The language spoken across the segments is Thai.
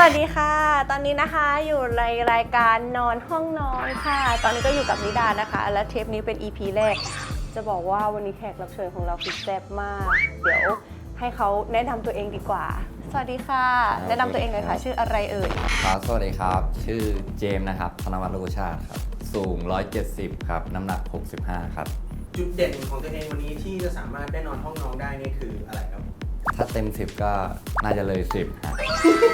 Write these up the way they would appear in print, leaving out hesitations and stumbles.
วัสดีค่ะตอนนี้นะคะอยู่ในรายการนอนห้องนอนค่ะตอนนี้ก็อยู่กับนิดานะคะและเทปนี้เป็น EP แรกจะบอกว่าวันนี้แขกรับเชิญของเราคือแซ่บมากเดี๋ยวให้เขาแนะนำตัวเองดีกว่าสวัสดีค่ะแนะนำตัวเองหน่อยค่ะชื่ออะไรเอ่ยครับสวัสดีครับชื่อเจมส์นะครับธนวัฒน์ โลกุชาติครับสูง170ครับน้ำหนัก65ครับจุดเด่นของตัวเองวันนี้ที่จะสามารถได้นอนห้องน้องได้นี่คืออะไรครับถ้าเต็ม10ก็น่าจะเลย10ครับ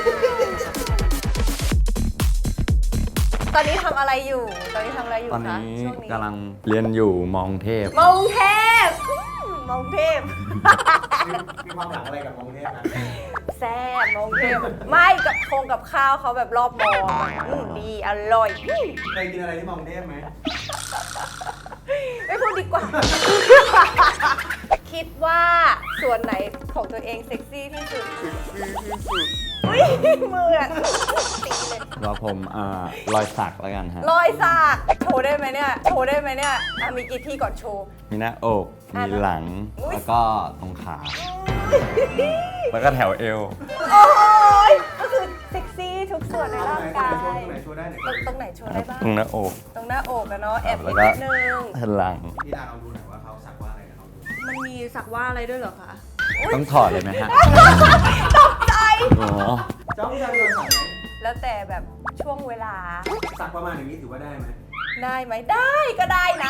ตอนนี้ทำอะไรอยู่ตอนนี้ทำอะไรอยู่ตอนคะนี้ช่วงนี้กำลังเรียนอยู่มองเทพมงเทพมงเทพมีความหลังอะไรกับมองเทพนะแซ่บมงเทพไม่กับข้าวเขาแบบรอบมองดีอร่อยเคยกินอะไรที่มองเทพไหมไม่พูดดีกว่า คิดว่าส่วนไหนของตัวเองเซ็กซี่ที่สุดอุ้ยมืออะตีเลยว่าผมรอยสักแล้วกันฮะรอยสักโชว์ได้ไหมเนี่ยมีกี่ที่ก่อนโชว์มีหน้าอกมีหลังอุ๊ยแล้วก็ตรงขาแล้วก็แถวเอวโอ้ยก็คือเซ็กซี่ทุกส่วนในร่างกายตรงไหนโชว์ได้ไหนตรงไหนโชว์ได้บ้างตรงหน้าอกตรงหน้าอกอะเนาะแอบแล้วนิก็ดนึงแผ่นหลังพี่ดาลองดูหน่อยว่าเขาสักว่าอะไรกับเขาดูมันมีสักว่าอะไรด้วยเหรอคะต้องถอดเลยไหมฮะตกใจอ๋อเจ้าพี่ดาโดนสักไหมแล้วแต่แบบช่วงเวลาสักประมาณอย่างนี้ถือว่าได้ไหมได้ไหมได้ก็ได้นะ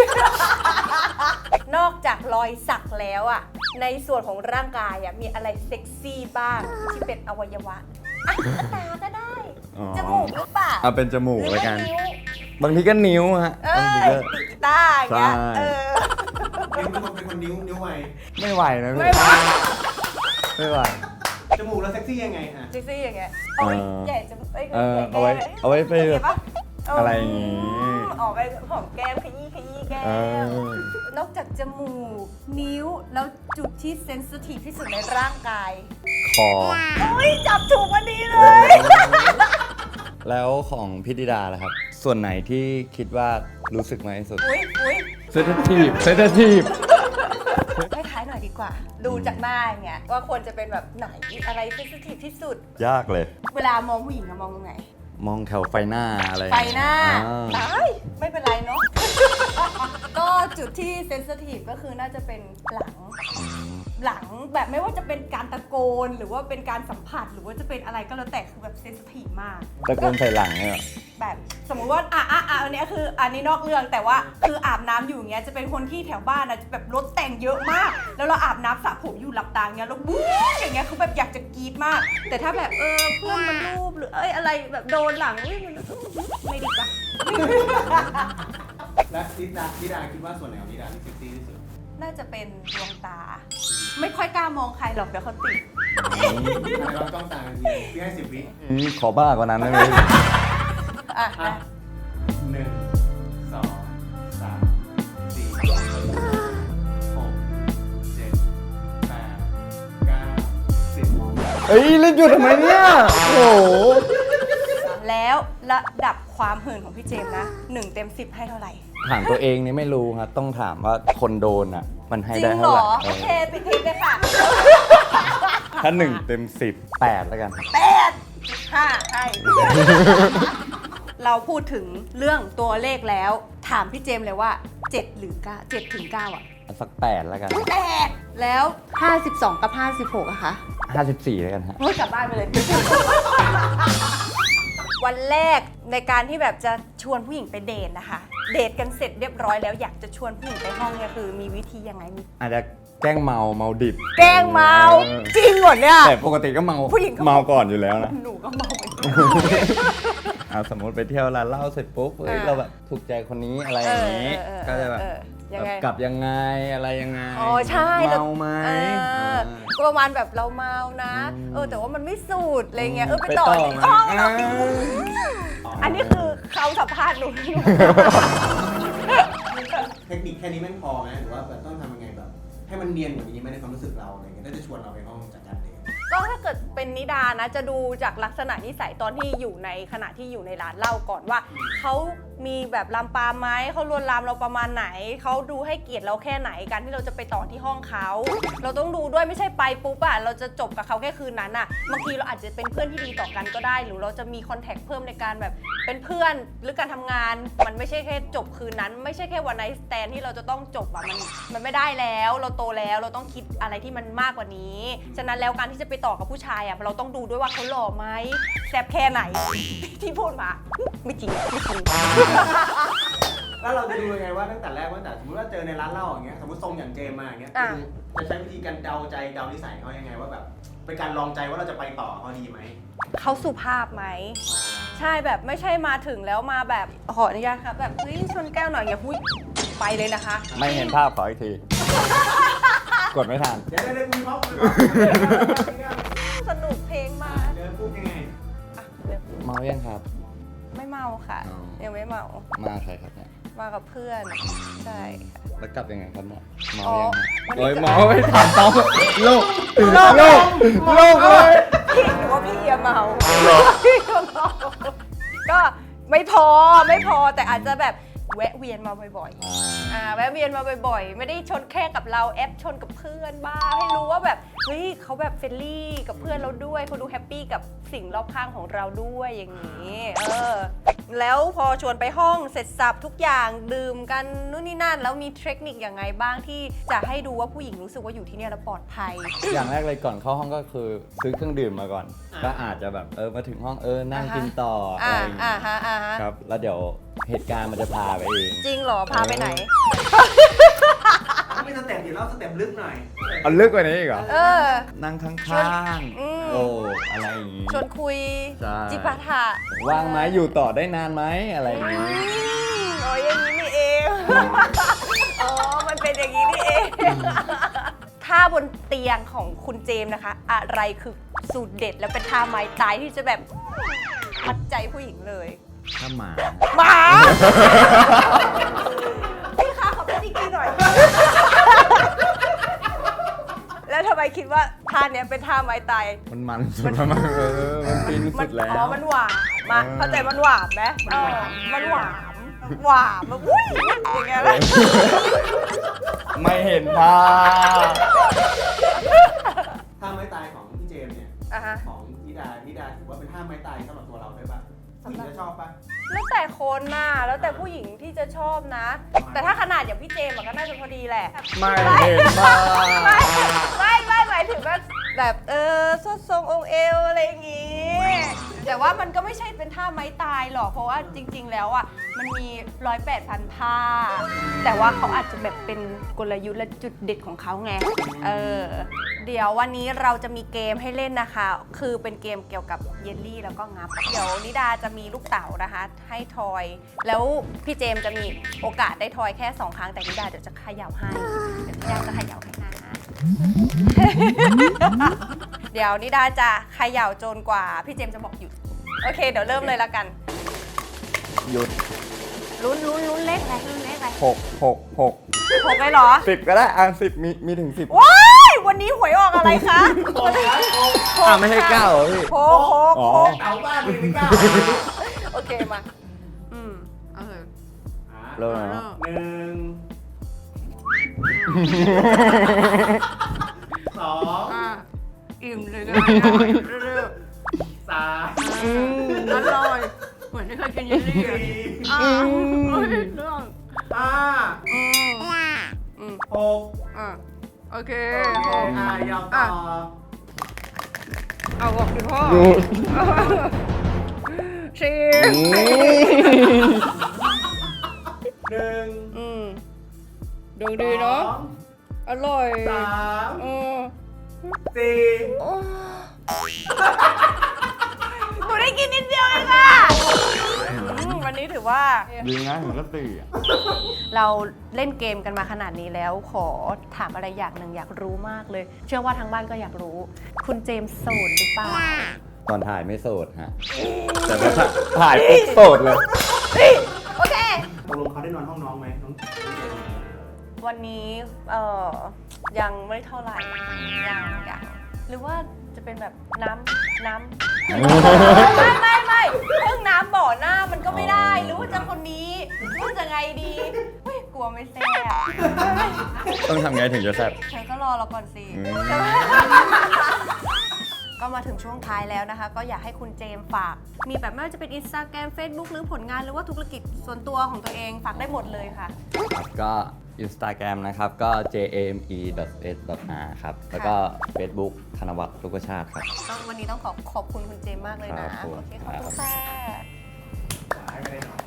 นอกจากรอยสักแล้วอะในส่วนของร่างกายอะมีอะไรเซ็กซี่บ้างที่เป็นอวัยวะอ่ะตาก็ได้อ๋อจมูกหรือเปล่าเอาเป็นจมูกหรือแล้วว่ากันนิ้วบางทีก็นิ้วฮะเอ้บางทียก็ติดกีตาร์อย่างเงี้ยใช่นิ้วเป็นคนนิ้วไวไม่ไหวนะพี่ไม่ไหวไม่ไหวจมูกแล้วเซ็กซี่ยังไงฮะเซ็กซี่อย่างเงี้ยโอ้ยใหญ่จะเอ้ยเอาไว้ไปเห็นปะอะไรอย่างงี้ออกไปหอมแก้มขยี้แก้ม นอกจากจมูก นิ้ว แล้วจุดที่เซนซิทีฟที่สุดในร่างกายคอโอ้ยจับถูกวันนี้เลยแล้วของพี่ดิดาล่ะครับ ส่วนไหนที่คิดว่ารู้สึกมากที่สุดอุ้ยเซนซิทีฟคล้ายๆหน่อยดีกว่า ดูจากหน้าอย่างเงี้ยว่าควรจะเป็นแบบไหนอะไรเซนซิทีฟที่สุดยากเลยเวลามองผู้หญิงอะมองตรงไหนมองแถวไฟหน้าอะไรไฟหน้าอ่าตายไม่เป็นไรเนาะ ก็จุดที่เซนซิทีฟก็คือน่าจะเป็นหลังอืมหลังแบบไม่ว่าจะเป็นการตะโกนหรือว่าเป็นการสัมผัสหรือว่าจะเป็นอะไรก็แล้วแต่คือแบบเซนซิทีฟมากตะโกนใส่หลังเนี่ยเหรอแบบสมมุติว่าอันเนี้ยคืออันนี้นอกเรื่องแต่ว่าคืออาบน้ำอยู่อย่างเงี้ยจะเป็นคนที่แถวบ้านนะจะแบบรถแต่งเยอะมาก แล้วเราอาบน้ำสระผมอยู่หลับตาอย่างเงี้ยแล้วบู๊อย่างเงี้ยคือแบบอยากจะกรี๊ดมาก แต่ถ้าแบบเพื่อนมันรูปหรืออะไรแบบโดนหลังมันไม่ดีกว่าและพี่ดาคิดว่าส่วนไหนของพี่ดาที่เซ็กซี่ที่สุดน่าจะเป็นดวงตา ไม่ค่อยกล้ามองใครหรอกเดี๋ยวเขาติดทำไมเราจ้องตากันทีพี่ให้10 วิขอบ้ากว่านั้นได้ไหมอ่ะอ่ะ1 2 3 4 6 7 8 9 10 เอ้ยเล่นอยู่ทำไมเนี่ย โอ้โหแล้วระดับความหื่นของพี่เจมส์นะ1 เต็ม 10 ให้เท่าไหร่ถามตัวเองนี่ไม่รู้ครับ ต้องถามว่าคนโดนอ่ะ มันให้จริได้งเหรเท่าไหร่อ โอเคปิดคลิปเลยค่ะถ้า1 เต็ม 10 8 แล้วกัน 8.5ให้ เราพูดถึงเรื่องตัวเลขแล้ว ถามพี่เจมส์เลยว่า 7 หรือ 9 7 ถึง 9 อ่ะสัก8แล้วกัน 8 แล้ว 52 กับ 56อะคะ 54แล้วกันฮะเฮ้ยกลับบ้านไปเลย วันแรกในการที่แบบจะชวนผู้หญิงไปเดทนะคะ เดทกันเสร็จเรียบร้อยแล้วอยากจะชวนผู้หญิงไปห้องเนี่ยคือมีวิธียังไงมีอาจจะแกล้งเมาดิบแกล้งเมาจริงเหรอเนี่ยแต่ปกติก็เมาผู้หญิงก็เมาก่อนอยู่แล้วนะหนูก็เมาเหมือนกันเอาสมมติไปเที่ยวร้านเหล้าเสร็จปุ๊บเฮ้ยเราแบบถูกใจคนนี้อะไรอย่างนี้ ก็จะแบบยังไงกลับยังไงอะไรยังไงอ๋อใช่เมาไหมก็ประมาณแบบเราเมานะ แต่ว่ามันไม่สูดอะไรเงี้ยไปต่อไหมอีกห้องต่ออีกอันนี้คือเขาสัมภาษณ์หนูเทคนิคแค่นี้แม่งพอไหมหรือว่าแบบต้องทำยังไงแบบ ให้มันเนียนกว่านี้ไหมในความรู้สึกเราอะไรเงี้ยถ้าจะชวนเราไปห้องจากการเดทก็ถ้าเกิดเป็นนิดานะจะดูจากลักษณะนิสัยตอนที่อยู่ในขณะที่อยู่ในร้านเหล้าก่อนว่าเขามีแบบลามปามไหมเขาลวนลามเราประมาณไหนเขาดูให้เกียรติเราแค่ไหนการที่เราจะไปต่อที่ห้องเขาเราต้องดูด้วยไม่ใช่ไปปุ๊บอะเราจะจบกับเขาแค่คืนนั้นอะบางทีเราอาจจะเป็นเพื่อนที่ดีต่อกันก็ได้ หรือเราจะมีคอนแทคเพิ่มในการแบบเป็นเพื่อนหรือการทำงานมันไม่ใช่แค่จบคืนนั้น ไม่ใช่แค่วันไนท์สแตนที่เราจะต้องจบอะมันไม่ได้แล้วเราโตแล้วเราต้องคิดอะไรที่มันมากกว่านี้ฉะนั้นแล้วการที่จะไปต่อกับผู้ชายอะเราต้องดูด้วยว่าเขาหล่อไหมแซ่บแค่ไหน ที่พูดมาไม่จริงไม่จริงแล้วเราจะดูยังไงว่าตั้งแต่แรกว่าแต่สมมติว่าเจอในร้านเหล้าอย่างเงี้ยสมมติทรงอย่างเจมมาอย่างเงี้ยจะใช้วิธีการเดาใจเดานิสัยเขายังไงว่าแบบเป็นการลองใจว่าเราจะไปต่อเขาดีไหมเขาสุภาพไหมใช่แบบไม่ใช่มาถึงแล้วมาแบบขออนุญาตครับแบบเฮ้ยชนแก้วหน่อยอย่าพูดไปเลยนะคะไม่เห็นภาพขออีกที กดไม่ทันเดี๋ยวได้คุยพร้อมสนุกเพลงมาเดินพูดยังไงอ่ะเดี๋ยวเมายังครับไม่เมาค่ะอ๋อยังไม่เมามาใครครับเนี่ยมากับเพื่อนใช่ค่ะแล้วกลับยังไงครับเนี่ยเมาอ๋อยังโอ้ยเมาไม่ทันต้องโลกโลกโลกเลยพี่หนูว่าพี่เอียเมาพี่เมาก็ไม่พอแต่อาจจะแบบแวะเวียนมาบ่อยๆแวะเวียนมาบ่อยๆไม่ได้ชนแค่กับเราแอปชนกับเพื่อนบ้างให้รู้ว่าแบบเฮ้ยเขาแบบเฟรนลี่กับเพื่อนเราด้วยเขาดูแฮปปี้กับสิ่งรอบข้างของเราด้วยอย่างนี้แล้วพอชวนไปห้องเสร็จสับทุกอย่างดื่มกันนู่นนี่นั่นแล้วมีเทคนิคอย่างไงบ้างที่จะให้ดูว่าผู้หญิงรู้สึกว่าอยู่ที่เนี่ยแล้วปลอดภัยอย่างแรกเลยก่อนเข้าห้องก็คือซื้อเครื่องดื่มมาก่อน ก็อาจจะแบบมาถึงห้องนั่งกินต่ออะไรอย่างเงี้ยฮะครับ แล้วเดี๋ยวเหตุการณ์มันจะพาไปเองจริงเหรอพาไปไหนไม่สเต็ปเดี๋ยวเราสเต็ปลึกหน่อยเอาลึกกว่านี้อีกเหรอ นั่งข้ชวนางๆ โอ้ อะไรอย่างงี้ชวนคุยใช่จิปาถะว่างไหมอยู่ต่อได้นานไหมอะไรอย่างงี้อ๋ออย่างนี้นี่เอง อ๋อ มันเป็นอย่างนี้นี่เอง ท่าบนเตียงของคุณเจมส์นะคะ อะไรคือสูตรเด็ดแล้วเป็นท่าไม้ตายที่จะแบบมัดใจผู้หญิงเลยถ้าหมาหมา พี่คะขอเป็นอีกทีหน่อย แล้วทำไมคิดว่าท่าเนี้ยเป็นท่าไม้ตายมันสุดแล้วมันมันฟินสุดแล้วอ๋อ มันหวานมาเข้าใจมันหวานไหมมันหวานมันอุ้ยอย่างเงี้ยเลยไม่เห็นภาพท่าไม้ตายของพี่เจมส์เนี่ยอ่ะฮะของนิดาถือว่าเป็นท่าไม้ตายสำหรับตัวเราได้ปะผู้หญิงจะชอบปะแล้วแต่คนน่ะแล้วแต่ผู้หญิงที่จะชอบนะ แต่ถ้าขนาดอย่างพี่เจมส์อะก็น่าจะพอดีแหละไม่เห็นภาพไม่หมายถึงว่าแบบสดทรงองค์เอวอะไรอย่างงี้แต่ว่ามันก็ไม่ใช่เป็นท่าไม้ตายหรอกเพราะว่าจริง ๆ แล้วอ่ะมันมี108,000ท่าแต่ว่าเขาอาจจะแบบเป็นกลยุทธ์และจุดเด็ดของเขาไงเดี๋ยววันนี้เราจะมีเกมให้เล่นนะคะ คือเป็นเกมเกี่ยวกับเยลลี่แล้วก็งับเดี๋ยวนิดาจะมีลูกเต๋านะคะ ให้ทอย แล้วพี่เจมส์จะมีโอกาสได้ทอยแค่2 ครั้งแต่นิดาเดี๋ยวจะเขย่าให้เดี๋ยวนิดาจะเขย่าให้นะ เดี๋ยวนิดาจะเขย่าจนกว่าพี่เจมส์จะบอกหยุดโอเคเดี๋ยวเริ่มเลยละกันหยุดลุ้นเลขอะไรลุ้นเลขอะไร 6 6เลยเหรอ 10ก็ได้10มีถึง10 ว้ายวันนี้หวยออกอะไรคะไม่ให้9เหรอพี่โคอ๋อเต๋าบ้านหนึ่งหรือเปล่าโอเคมาโอเคเริ่มแล้ว 1 2 อิ่มเลยนะเร็ว 3 อร่อยเหมือนที่เคยกินเยลลี่อ่ะเรื่อง 5 6 โอเคยาวต่อเอาบอกดิพ่อชิ 1 ดูดีเนาะอร่อย 3 4 หนูได้กินนิดเดียวเองอะวันนี้ถือว่าดีนะผมก็ตีอ่ะเราเล่นเกมกันมาขนาดนี้แล้วขอถามอะไรอย่างหนึ่งอยากรู้มากเลย เชื่อว่าทางบ้านก็อยากรู้ คุณเจมส์โสดหรือเปล่าตอนถ่ายไม่โสดฮะ แต่พอถ่ายปุ๊บโสดเลยโอเคตกลงเขาได้นอนห้องน้องไหมน้องเจมส์วันนี้ยังไม่เท่าไหร่ยังหรือว่าจะเป็นแบบน้ำไม่เรื่องน้ำบ่อหน้ามันก็ไม่ได้ หรือว่าจะคนนี้หรือว่าจะไงดีเฮ้ยกลัวไม่แซ่บต้องทำไงถึงจะแซ่บเธอก็รอเราก่อนสิ ก็มาถึงช่วงท้ายแล้วนะคะ ก็อยากให้คุณเจมส์ฝาก มีแบบไม่ว่าจะเป็น Instagram Facebook หรือผลงานหรือว่าธุรกิจส่วนตัวของตัวเองฝากได้หมดเลยค่ะครับก็ Instagram นะครับก็ jame.s.r ครับ แล้วก็ Facebook ธนวัฒน์ลูกชาติครับวันนี้ต้องขอบคุณคุณเจมส์มากเลยนะครับผมโอเคขอบคุณค่ะไม่ได้นอน